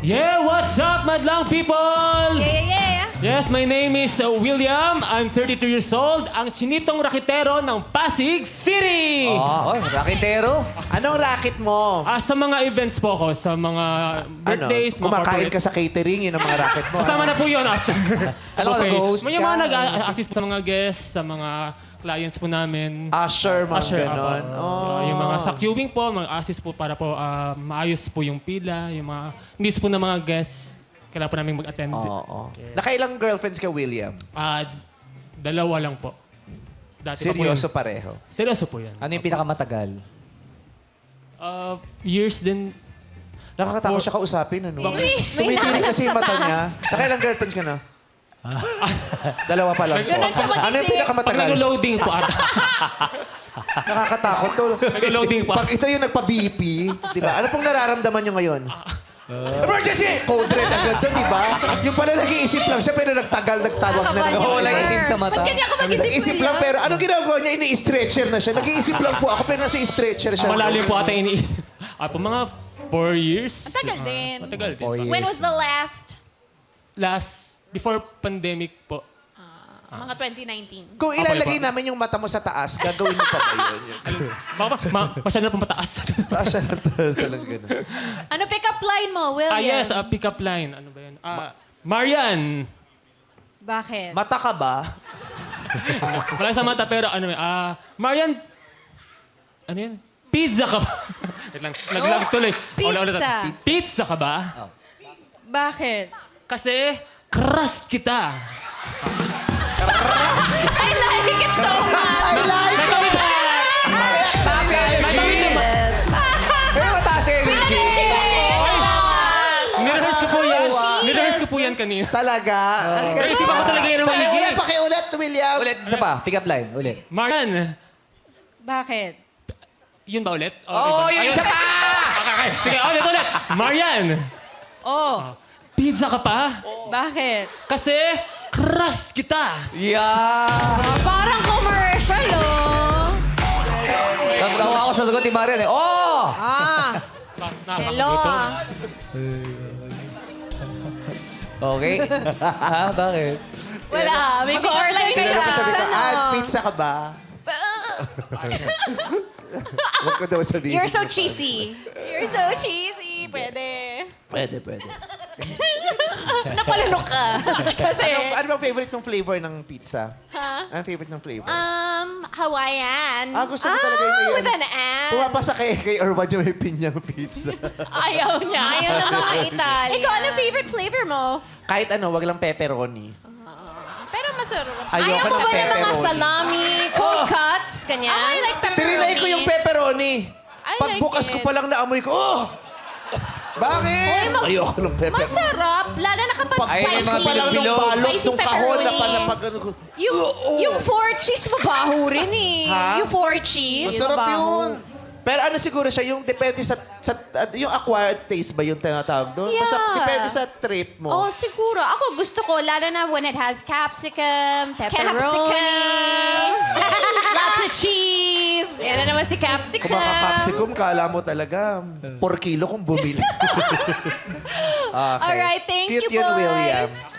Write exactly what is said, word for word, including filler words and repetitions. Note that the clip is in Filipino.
Yeah, what's up, madlang people? Yeah, yeah, yeah. Yes, my name is uh, William. I'm thirty-two years old. Ang chinitong raketero ng Pasig City. Oh, raketero. Anong racket mo? Ah, sa mga events po ko, sa mga birthdays, ano? mga Kumakain corporate. ka sa catering, yun ang mga racket mo. Kasama na po yun after. Alam ko, nag-host May mga ka. nag-assist sa mga guests, sa mga clients po namin. Usher, mga Usher, ganon. apo. Oh. Ah, yung mga sa queuing po, mga assist po para po ah, maayos po yung pila, yung mga needs po ng mga guests. Kailangan po namin mag-attend. Oo. Oh, Nakailang girlfriends ka, William? Ah, dalawa lang po. Dati pa po Seryoso yun. pareho. Seryoso po yan. Ano yung pinakamatagal? Ah, years din. Nakakatakot siya kausapin, ano? May Tumitirik kasi yung sa mata niya. taas. Nakailang girlfriends ka na? Dalawa pa lang po. Ganon siya mag-isip. Ano yung Pag pinakamatagal? nag-loading po ata. Nakakatakot to. Nag-loading pa. Pag ito yung nagpa-B P, di ba? Ano pong nararamdaman niyo ngayon? Emergency! Code red agad to, di ba? Yung pala nag-iisip lang siya, pero nagtagal, nagtawag na. Nakakabal Oo, yung lang words. itim sa mata. Ba't ganyan ako mag-isip, Nag-iisip lang, pero anong ginagawa niya? Ini-stretcher na siya. Nag-iisip lang po ako, pero nasa stretcher siya. Malalim po ata iniisip. Ah, po mga four years. Matagal din. Matagal din. Four po. years. When was the last? Last, before pandemic po. Mga twenty nineteen. Kung ilalagay namin yung mata mo sa taas, gagawin mo pa ba yun? Baka ma masyado na po mataas. Ah, siya na taas talagang ganun. Ano pick-up line mo, William? ah, yes, uh, pick-up line. Ano ba yun? Ah, Marian. Bakit? Mata ka ba? Wala sa mata, pero ano, ah, Marian, ano yan? Pizza ka ba? Wait lang, naglag tuloy. Ulit, ulit. Pizza. Pizza ka ba? Bakit? Kasi, crust kita. I like it so much! I like it! Pero mataas yung energy. Nirehearse ko po yan. Nirehearse ko po yan kanina. Talaga? Pero isipan ko talaga yan ng Pakiulit, maigi. pakiulit, William. Ulit, isa pa. Pick up line. Ulit. Marian. Bakit? Yun ba ulit? Oo, oh, iba? yung Ayun. isa pa! Okay, okay. Sige, ulit, ulit. Marian. Oh, Pizza ka pa? bakit? Kasi, crust kita. Yeah! Parang commercial, oh. Nagawa ako sa sagot ni Marian eh. Oh! Ah, hello, Nakakagutom. ah. Okay. Ha? Bakit? Wala, may order ka Kaya siya. ko sabi ko, Ano? ah, pizza ka ba? Huwag ko daw sabihin. You're so cheesy. You're so cheesy. Pwede. Pwede, pwede. Napalunok ka. Kasi, Ano, ano bang favorite mong flavor ng pizza? ha? Anong favorite ng flavor? Um, Hawaiian. Ah, gusto mo talaga yung may with ano? an and. Pumapasa kay, kay Orban yung may pinyang pizza. Ayaw niya. Ayaw ng mga Italian. Ikaw, ano favorite flavor mo? Kahit ano, wag lang pepperoni. Pero masarap. Ayoko Ayaw mo ng ba ng mga pepperoni. salami, cold cuts, ganyan? I like pepperoni. Tirinay ko yung pepperoni. I Pagbukas like ko it. pa lang naamoy ko, oh! Uy, mag- Ayoko ng pepperoni. Masarap. Lalo na kapag Ay, spicy. yung mga pa lang ng bilog-bilog. balot Spicy nung kahon na pepperoni. pa na pag ano ko. Yung, Oh, oh. yung four cheese, mabaho rin eh. Ha? Yung four cheese, Masarap mabaho. yun. Pero ano siguro siya, yung depende sa, sa uh, yung acquired taste ba yung tinatawag doon? Basta Yeah. depende sa trip mo. Oh, siguro. Ako gusto ko, lalo na when it has capsicum, pepperoni. Capsicum. Lots of cheese. Yan na naman si capsicum. Kung maka-capsicum, kala mo talaga, per kilo kung bumili. Okay. Alright, thank Cute you, yun, boys. William.